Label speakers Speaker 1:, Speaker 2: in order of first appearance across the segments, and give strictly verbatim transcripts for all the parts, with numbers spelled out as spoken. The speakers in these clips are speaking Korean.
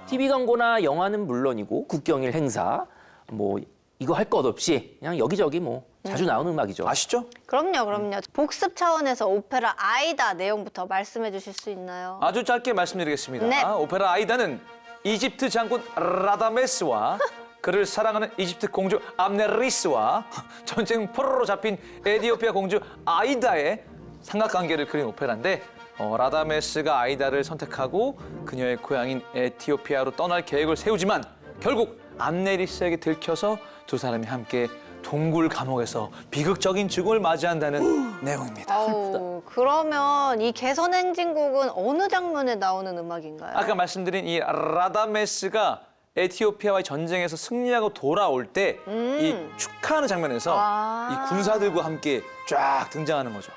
Speaker 1: 티비 광고나 영화는 물론이고 국경일 행사, 뭐 이거 할 것 없이 그냥 여기저기 뭐 자주 나오는 음악이죠.
Speaker 2: 아시죠?
Speaker 3: 그럼요, 그럼요. 복습 차원에서 오페라 아이다 내용부터 말씀해 주실 수 있나요?
Speaker 2: 아주 짧게 말씀드리겠습니다.
Speaker 3: 네.
Speaker 2: 오페라 아이다는 이집트 장군 라다메스와 그를 사랑하는 이집트 공주 암네리스와 전쟁 포로로 잡힌 에티오피아 공주 아이다의 삼각관계를 그린 오페라인데 어, 라다메스가 아이다를 선택하고 그녀의 고향인 에티오피아로 떠날 계획을 세우지만 결국 암네리스에게 들켜서 두 사람이 함께 동굴 감옥에서 비극적인 죽음을 맞이한다는 내용입니다.
Speaker 3: 아우, 그러면 이 개선행진곡은 어느 장면에 나오는 음악인가요?
Speaker 2: 아까 말씀드린 이 라다메스가 에티오피아와의 전쟁에서 승리하고 돌아올 때 이
Speaker 3: 음.
Speaker 2: 축하하는 장면에서
Speaker 3: 아.
Speaker 2: 이 군사들과 함께 쫙 등장하는 거죠.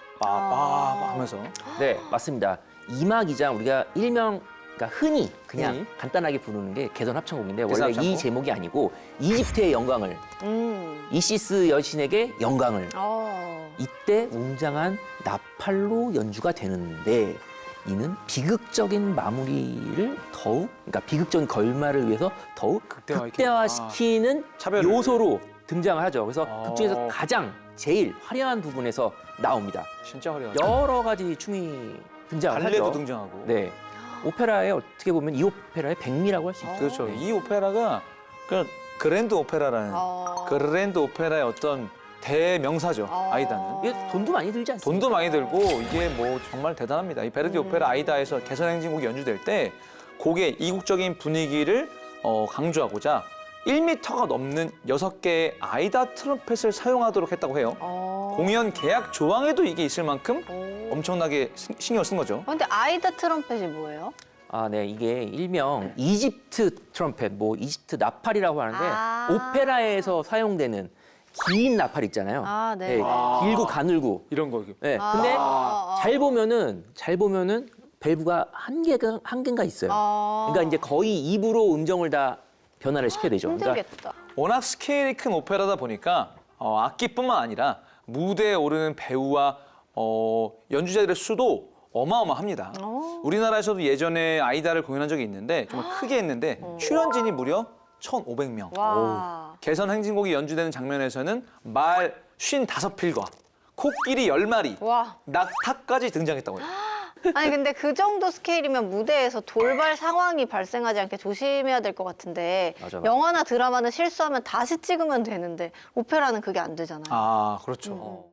Speaker 2: 빠빠 하면서.
Speaker 1: 네, 맞습니다. 이막이장 우리가 일명 그러니까 흔히 그냥
Speaker 2: 흔히?
Speaker 1: 간단하게 부르는 게 개선 합창곡인데
Speaker 2: 개선
Speaker 1: 원래 이
Speaker 2: 합창곡?
Speaker 1: 제목이 아니고 이집트의 영광을
Speaker 3: 음.
Speaker 1: 이시스 여신에게 영광을
Speaker 3: 어.
Speaker 1: 이때 웅장한 나팔로 연주가 되는데 이는 비극적인 마무리를 더욱 그러니까 비극적인 결말을 위해서 더욱
Speaker 2: 극대화시키는.
Speaker 1: 극대화시키는
Speaker 2: 차별을.
Speaker 1: 요소로 등장을 하죠. 그래서
Speaker 2: 아.
Speaker 1: 극 중에서 가장 제일 화려한 부분에서 나옵니다.
Speaker 2: 진짜 화려하죠.
Speaker 1: 여러 가지 춤이 등장을
Speaker 2: 발레도
Speaker 1: 하죠.
Speaker 2: 등장하고.
Speaker 1: 네. 오페라에 어떻게 보면 이 오페라의 백미라고 할 수 있죠.
Speaker 2: 그렇죠. 이 오페라가 그 그랜드 오페라라는
Speaker 3: 어.
Speaker 2: 그랜드 오페라의 어떤 대명사죠.
Speaker 3: 어.
Speaker 2: 아이다는.
Speaker 1: 이게 돈도 많이 들지 않습니까?
Speaker 2: 돈도 많이 들고 이게 뭐 정말 대단합니다. 이 베르디 오페라 아이다에서 개선행진곡이 연주될 때 곡의 이국적인 분위기를 어, 강조하고자 일 미터가 넘는 여섯 개의 아이다 트럼펫을 사용하도록 했다고 해요.
Speaker 3: 어.
Speaker 2: 공연 계약 조항에도 이게 있을 만큼
Speaker 3: 오.
Speaker 2: 엄청나게 신- 신경을 쓴 거죠.
Speaker 3: 근데 아이다 트럼펫이 뭐예요?
Speaker 1: 아, 네. 이게 일명 이집트 트럼펫, 뭐 이집트 나팔이라고 하는데
Speaker 3: 아.
Speaker 1: 오페라에서 사용되는 긴 나팔 있잖아요.
Speaker 3: 아, 네.
Speaker 1: 길고 가늘고.
Speaker 2: 이런 거.
Speaker 1: 네.
Speaker 3: 아.
Speaker 1: 근데
Speaker 3: 아.
Speaker 1: 잘 보면은 잘 보면은 밸브가 한 개가 한 개가 있어요.
Speaker 3: 아.
Speaker 1: 그러니까 이제 거의 입으로 음정을 다 변화를 시켜야 되죠. 그러니까
Speaker 3: 힘들겠다.
Speaker 2: 워낙 스케일이 큰 오페라다 보니까 어, 악기뿐만 아니라 무대에 오르는 배우와 어, 연주자들의 수도 어마어마합니다.
Speaker 3: 오.
Speaker 2: 우리나라에서도 예전에 아이다를 공연한 적이 있는데 정말 크게 했는데 출연진이 무려 천오백 명.
Speaker 3: 와.
Speaker 2: 개선 행진곡이 연주되는 장면에서는 말 쉰다섯 필과 코끼리 열 마리,
Speaker 3: 와.
Speaker 2: 낙타까지 등장했다고 해요.
Speaker 3: 아니 근데 그 정도 스케일이면 무대에서 돌발 상황이 발생하지 않게 조심해야 될 것 같은데
Speaker 1: 맞아, 맞아.
Speaker 3: 영화나 드라마는 실수하면 다시 찍으면 되는데 오페라는 그게 안 되잖아요.
Speaker 2: 아, 그렇죠.